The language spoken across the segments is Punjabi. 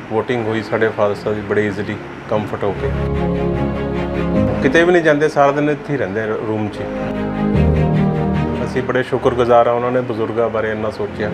वोटिंग हुई साढ़े फादर साहब जी बड़े ईजिली कंफर्ट होके किते भी नहीं जाते, सारा दिन इत्थे ही रहिंदे रूम 'ਚ। ਅਸੀਂ बड़े शुक्रगुजार हाँ उन्होंने बजुर्गों बारे इन्ना सोचा।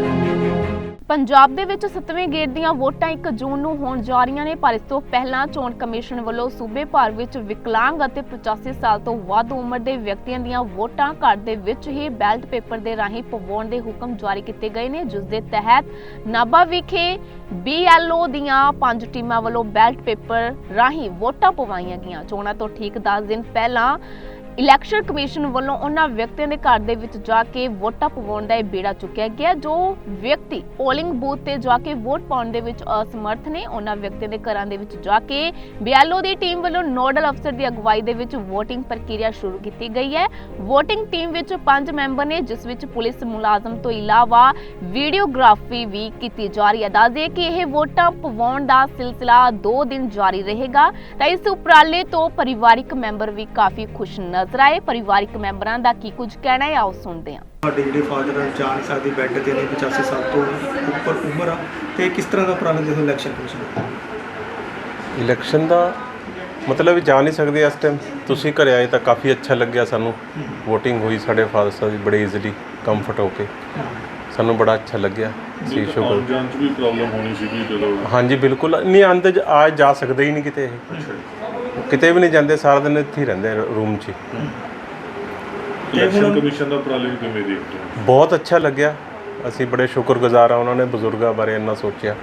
ਪੰਜਾਬ ਦੇ ਵਿੱਚ 7ਵੇਂ ਗੇੜ ਦੀਆਂ ਵੋਟਾਂ 1 ਜੂਨ ਨੂੰ ਹੋਣ ਜਾ ਰਹੀਆਂ ਨੇ, ਪਰ ਇਸ ਤੋਂ ਪਹਿਲਾਂ ਚੋਣ ਕਮਿਸ਼ਨ ਵੱਲੋਂ ਸੂਬੇ ਭਰ ਵਿੱਚ ਵਿਕਲਾਂਗ ਅਤੇ 85 ਸਾਲ ਤੋਂ ਵੱਧ ਉਮਰ ਦੇ ਵਿਅਕਤੀਆਂ ਦੀਆਂ ਵੋਟਾਂ ਘਰ ਦੇ ਵਿੱਚ ਹੀ ਬੈਲਟ ਪੇਪਰ ਦੇ ਰਾਹੀਂ ਪਵਾਉਣ ਦੇ ਹੁਕਮ ਜਾਰੀ ਕੀਤੇ ਗਏ ਨੇ, ਜਿਸ ਦੇ ਤਹਿਤ ਨਾਭਾ ਵਿਖੇ BLO ਦੀਆਂ 5 ਟੀਮਾਂ ਵੱਲੋਂ ਬੈਲਟ ਪੇਪਰ ਰਾਹੀਂ ਵੋਟਾਂ ਪਵਾਈਆਂ ਗਈਆਂ। ਚੋਣਾਂ ਤੋਂ ਠੀਕ 10 ਦਿਨ ਪਹਿਲਾਂ ਇਲੈਕਸ਼ਨ ਕਮਿਸ਼ਨ ਵੱਲੋਂ ਉਹਨਾਂ ਵਿਅਕਤੀਆਂ ਦੇ ਘਰ ਦੇ ਵਿੱਚ ਜਾ ਕੇ ਵੋਟਾਂ ਪਵਾਉਣ ਦਾ ਇਹ ਬੇੜਾ ਚੁੱਕਿਆ ਗਿਆ ਜੋ ਵਿਅਕਤੀ ਪੋਲਿੰਗ ਬੂਥ ਤੇ ਜਾ ਕੇ ਵੋਟ ਪਾਉਣ ਦੇ ਵਿੱਚ ਅਸਮਰਥ ਨੇ। ਉਹਨਾਂ ਵਿਅਕਤੀਆਂ ਦੇ ਘਰਾਂ ਦੇ ਵਿੱਚ ਜਾ ਕੇ BLO ਦੀ ਟੀਮ ਵੱਲੋਂ ਨੋਡਲ ਅਫਸਰ ਦੀ ਅਗਵਾਈ ਦੇ ਵਿੱਚ VOTING ਪ੍ਰਕਿਰਿਆ ਸ਼ੁਰੂ ਕੀਤੀ ਗਈ ਹੈ। VOTING ਟੀਮ ਵਿੱਚ 5 ਮੈਂਬਰ ਨੇ, ਜਿਸ ਵਿੱਚ ਪੁਲਿਸ ਮੁਲਾਜ਼ਮ ਤੋਂ ਇਲਾਵਾ ਵੀਡੀਓਗ੍ਰਾਫੀ ਵੀ ਕੀਤੀ ਜਾ ਰਹੀ ਹੈ। ਦੱਸ ਦਈਏ ਕਿ ਇਹ ਵੋਟਾਂ ਪਵਾਉਣ ਦਾ ਸਿਲਸਿਲਾ 2 ਦਿਨ ਜਾਰੀ ਰਹੇਗਾ ਤਾਂ ਇਸ ਉਪਰਾਲੇ ਤੋਂ ਪਰਿਵਾਰਿਕ ਮੈਂਬਰ ਵੀ ਕਾਫੀ ਖੁਸ਼ ਨਜ਼ਰ ਆਏ। ਪਰਿਵਾਰਿਕ ਮੈਂਬਰਾਂ ਦਾ ਕੀ ਕੁਝ ਕਹਿਣਾ ਹੈ, ਆਓ ਸੁਣਦੇ ਹਾਂ। ਸਾਡੇ ਜਿਹੜੇ ਫਾਦਰ ਜਾ ਨਹੀਂ ਸਕਦੇ, ਬੈੱਡ ਤੇ ਨੇ, 85 ਸਾਲ ਤੋਂ ਉੱਪਰ ਉਮਰ ਆ, ਤੇ ਕਿਸ ਤਰ੍ਹਾਂ ਦਾ ਉਪਰਾਲਾ ਦੇਖੋ ਇਲੈਕਸ਼ਨ ਕਮਿਸ਼ਨ ਇਲੈਕਸ਼ਨ ਦਾ ਮਤਲਬ ਜਾ ਨਹੀਂ ਸਕਦੇ ਇਸ ਟਾਈਮ। ਤੁਸੀਂ ਘਰੇ ਆਏ ਤਾਂ ਕਾਫੀ ਅੱਛਾ ਲੱਗਿਆ ਸਾਨੂੰ। ਵੋਟਿੰਗ ਹੋਈ ਸਾਡੇ ਫਾਦਰ ਸਾਹਿਬ ਜੀ ਬੜੇ ਈਜ਼ੀਲੀ ਕੰਫਰਟ ਹੋ ਕੇ, ਸਾਨੂੰ ਬੜਾ ਅੱਛਾ ਲੱਗਿਆ ਸੀ। ਸ਼ੁਕਰ ਜਾਣ 'ਚ ਵੀ ਪ੍ਰੋਬਲਮ ਹੋਣੀ ਸੀਗੀ ਜਦੋਂ? ਹਾਂਜੀ ਬਿਲਕੁਲ ਨਹੀਂ, ਆਉਂਦੇ ਆ ਜਾ ਸਕਦੇ ਹੀ ਨਹੀਂ ਕਿਤੇ, ਇਹ ਕਿਤੇ ਵੀ ਨਹੀਂ ਜਾਂਦੇ, ਸਾਰਾ ਦਿਨ ਇੱਥੇ ਹੀ ਰਹਿੰਦੇ ਰੂਮ 'ਚ। ਇਲੈਕਸ਼ਨ ਕਮਿਸ਼ਨ ਦਾ ਉਪਰਾਲੇ ਨੂੰ ਕਿਵੇਂ ਦੇਖਦੇ ਹੋ? ਬਹੁਤ ਅੱਛਾ ਲੱਗਿਆ, ਅਸੀਂ ਬੜੇ ਸ਼ੁਕਰਗੁਜ਼ਾਰ ਹਾਂ ਉਹਨਾਂ ਨੇ ਬਜ਼ੁਰਗਾਂ ਬਾਰੇ ਇੰਨਾ ਸੋਚਿਆ।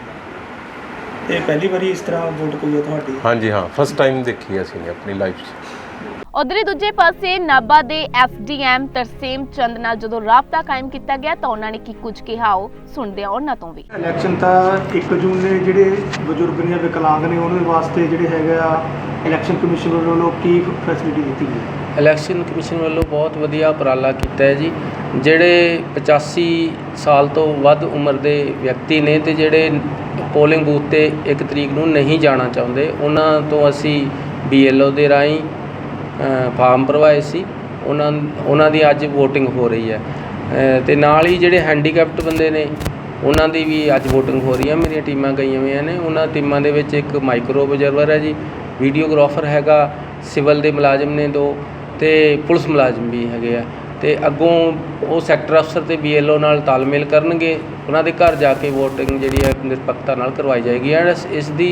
ਇਹ ਪਹਿਲੀ ਵਾਰੀ ਇਸ ਤਰ੍ਹਾਂ ਵੋਟ ਪਈ ਹੈ ਤੁਹਾਡੀ? ਹਾਂਜੀ ਹਾਂ, ਫਸਟ ਟਾਈਮ ਦੇਖੀ ਅਸੀਂ ਨੇ ਆਪਣੀ ਲਾਈਫ 'ਚ। ਉਧਰ ਦੂਜੇ ਪਾਸੇ ਨਾਭਾ ਦੇ SDM ਤਰਸੇਮ ਚੰਦ ਨਾਲ ਜਦੋਂ ਰਾਬਤਾ ਕਾਇਮ ਕੀਤਾ ਗਿਆ ਤਾਂ ਉਹਨਾਂ ਨੇ ਕੀ ਕੁਝ ਕਿਹਾ, ਉਹ ਸੁਣਦੇ ਆ ਉਹਨਾਂ ਤੋਂ ਵੀ। ਇਲੈਕਸ਼ਨ ਤਾਂ 1 ਜੂਨ ਨੇ ਜਿਹੜੇ ਬਜ਼ੁਰਗ ਨੇ, ਵਿਕਲਾਂਗ ਨੇ, ਉਹਨਾਂ ਦੇ ਵਾਸਤੇ ਜਿਹੜੇ ਹੈਗਾ ਇਲੈਕਸ਼ਨ ਕਮਿਸ਼ਨ ਵੱਲੋਂ ਕੀ ਫੈਸਿਲਿਟੀ ਦਿੱਤੀ ਗਈ? ਇਲੈਕਸ਼ਨ ਕਮਿਸ਼ਨ ਵੱਲੋਂ ਬਹੁਤ ਵਧੀਆ ਉਪਰਾਲਾ ਕੀਤਾ ਹੈ ਜੀ। ਜਿਹੜੇ 85 ਸਾਲ ਤੋਂ ਵੱਧ ਉਮਰ ਦੇ ਵਿਅਕਤੀ ਨੇ ਤੇ ਜਿਹੜੇ ਪੋਲਿੰਗ ਬੂਥ ਤੇ 1 ਤਰੀਕ ਨੂੰ ਨਹੀਂ ਜਾਣਾ ਚਾਹੁੰਦੇ, ਉਹਨਾਂ ਤੋਂ ਅਸੀਂ BLO ਦੇ ਰਾਹੀਂ ਫਾਰਮ ਭਰਵਾਏ ਸੀ। ਉਹਨਾਂ ਦੀ ਅੱਜ VOTING ਹੋ ਰਹੀ ਹੈ ਤੇ ਨਾਲ ਹੀ ਜਿਹੜੇ ਹੈਂਡੀਕੈਪਟ ਬੰਦੇ ਨੇ ਉਹਨਾਂ ਦੀ ਵੀ ਅੱਜ VOTING ਹੋ ਰਹੀ ਹੈ। ਮੇਰੀਆਂ ਟੀਮਾਂ ਗਈਆਂ ਹੋਈਆਂ ਨੇ, ਉਹਨਾਂ ਟੀਮਾਂ ਦੇ ਵਿੱਚ ਇੱਕ ਮਾਈਕਰੋ ਆਬਜ਼ਰਵਰ ਹੈ ਜੀ, ਵੀਡੀਓਗ੍ਰਾਫਰ ਹੈਗਾ, ਸਿਵਲ ਦੇ ਮੁਲਾਜ਼ਮ ਨੇ 2 ਤੇ ਪੁਲਿਸ ਮੁਲਾਜ਼ਮ ਵੀ ਹੈਗੇ ਆ। ਤੇ ਅੱਗੋਂ ਉਹ ਸੈਕਟਰ ਅਫਸਰ ਤੇ BLO ਨਾਲ ਤਾਲਮੇਲ ਕਰਨਗੇ, ਉਹਨਾਂ ਦੇ ਘਰ ਜਾ ਕੇ VOTING ਜਿਹੜੀ ਹੈ ਨਿਰਪੱਖਤਾ ਨਾਲ ਕਰਵਾਈ ਜਾਏਗੀ ਐਂਡ ਇਸ ਦੀ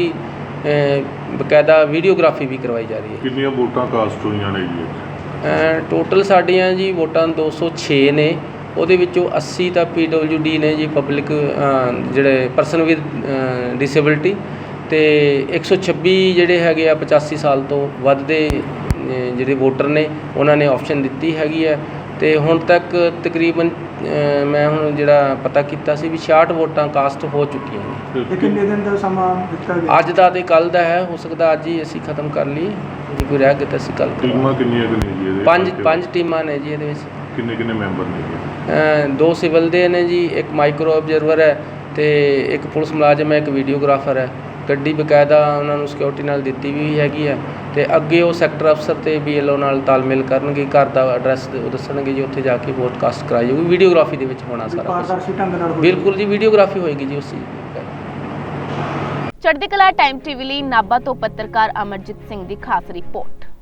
ਬਕਾਇਦਾ ਵੀਡੀਓਗ੍ਰਾਫੀ ਵੀ ਕਰਵਾਈ ਜਾ ਰਹੀ ਹੈ। ਕਿੰਨੀਆਂ ਵੋਟਾਂ ਕਾਸਟ ਹੋਈਆਂ ਨੇ ਜੀ? ਟੋਟਲ ਸਾਡੀਆਂ ਜੀ ਵੋਟਾਂ 206 ਨੇ, ਉਹਦੇ ਵਿੱਚੋਂ 80 ਤਾਂ PWD ਨੇ ਜੀ, ਪਬਲਿਕ ਜਿਹੜੇ ਪਰਸਨ ਵਿਦ ਡਿਸੇਬਿਲਟੀ, ਤੇ 126 ਜਿਹੜੇ ਹੈਗੇ ਆ 85 ਸਾਲ ਤੋਂ ਵੱਧ ਦੇ ਜਿਹੜੇ ਵੋਟਰ ਨੇ, ਉਹਨਾਂ ਨੇ ਆਪਸ਼ਨ ਦਿੱਤੀ ਹੈਗੀ ਹੈ। ਤੇ ਹੁਣ ਤੱਕ ਤਕਰੀਬਨ ਮੈਂ ਹੁਣ ਜਿਹੜਾ ਪਤਾ ਕੀਤਾ ਸੀ ਵੀ 66 ਵੋਟਾਂ ਕਾਸਟ ਹੋ ਚੁੱਕੀਆਂ ਨੇ। ਤੇ ਕਿੰਨੇ ਦਿਨ ਦਾ ਸਮਾਂ ਦਿੱਤਾ ਗਿਆ? ਅੱਜ ਦਾ ਤੇ ਕੱਲ੍ਹ ਦਾ ਹੈ, ਹੋ ਸਕਦਾ ਅੱਜ ਹੀ ਅਸੀਂ ਖਤਮ ਕਰ ਲਈਏ, ਜੇ ਕੋਈ ਰਹਿ ਗਿਆ ਤਾਂ ਅਸੀਂ ਕੱਲ੍ਹ। ਟੀਮਾਂ ਕਿੰਨੀਆਂ ਕੁ ਨੇ ਜੀ ਇਹਦੇ? 5 ਟੀਮਾਂ ਨੇ ਜੀ ਇਹਦੇ ਵਿੱਚ। ਕਿੰਨੇ ਮੈਂਬਰ ਨੇ ਜੀ? 2 ਸਿਵਲ ਦੇ ਨੇ ਜੀ, ਇੱਕ ਮਾਈਕਰੋ ਆਬਜ਼ਰਵਰ ਹੈ ਤੇ ਇੱਕ ਪੁਲਿਸ ਮੁਲਾਜ਼ਮ ਹੈ, ਇੱਕ ਵੀਡੀਓਗ੍ਰਾਫਰ ਹੈ। ਗੱਡੀ ਬਕਾਇਦਾ ਉਹਨਾਂ ਨੂੰ ਸਿਕਿਉਰਿਟੀ ਨਾਲ ਦਿੱਤੀ ਵੀ ਹੈਗੀ ਹੈ ਤੇ ਅੱਗੇ ਉਹ ਸੈਕਟਰ ਅਫਸਰ ਤੇ BLO ਨਾਲ ਤਾਲਮੇਲ ਕਰਨਗੇ, ਘਰ ਦਾ ਐਡਰੈਸ ਉਹ ਦੱਸਣਗੇ ਜੀ, ਉੱਥੇ ਜਾ ਕੇ ਵੋਟ ਕਾਸਟ ਕਰਾਈ ਜਾਊਗੀ। ਵੀਡੀਓਗ੍ਰਾਫੀ ਦੇ ਵਿੱਚ ਹੋਣਾ ਸਾਰਾ ਪਾਰਦਰਸ਼ੀ ਢੰਗ ਨਾਲ? ਬਿਲਕੁਲ ਜੀ, ਵੀਡੀਓਗ੍ਰਾਫੀ ਹੋਏਗੀ ਜੀ ਉਸ ਚੀਜ਼ ਦੀ। ਚੜ੍ਹਦੀ ਕਲਾ ਟਾਈਮ TV ਲਈ ਨਾਭਾ ਤੋਂ ਪੱਤਰਕਾਰ ਅਮਰਜੀਤ ਸਿੰਘ ਦੀ ਖਾਸ ਰਿਪੋਰਟ।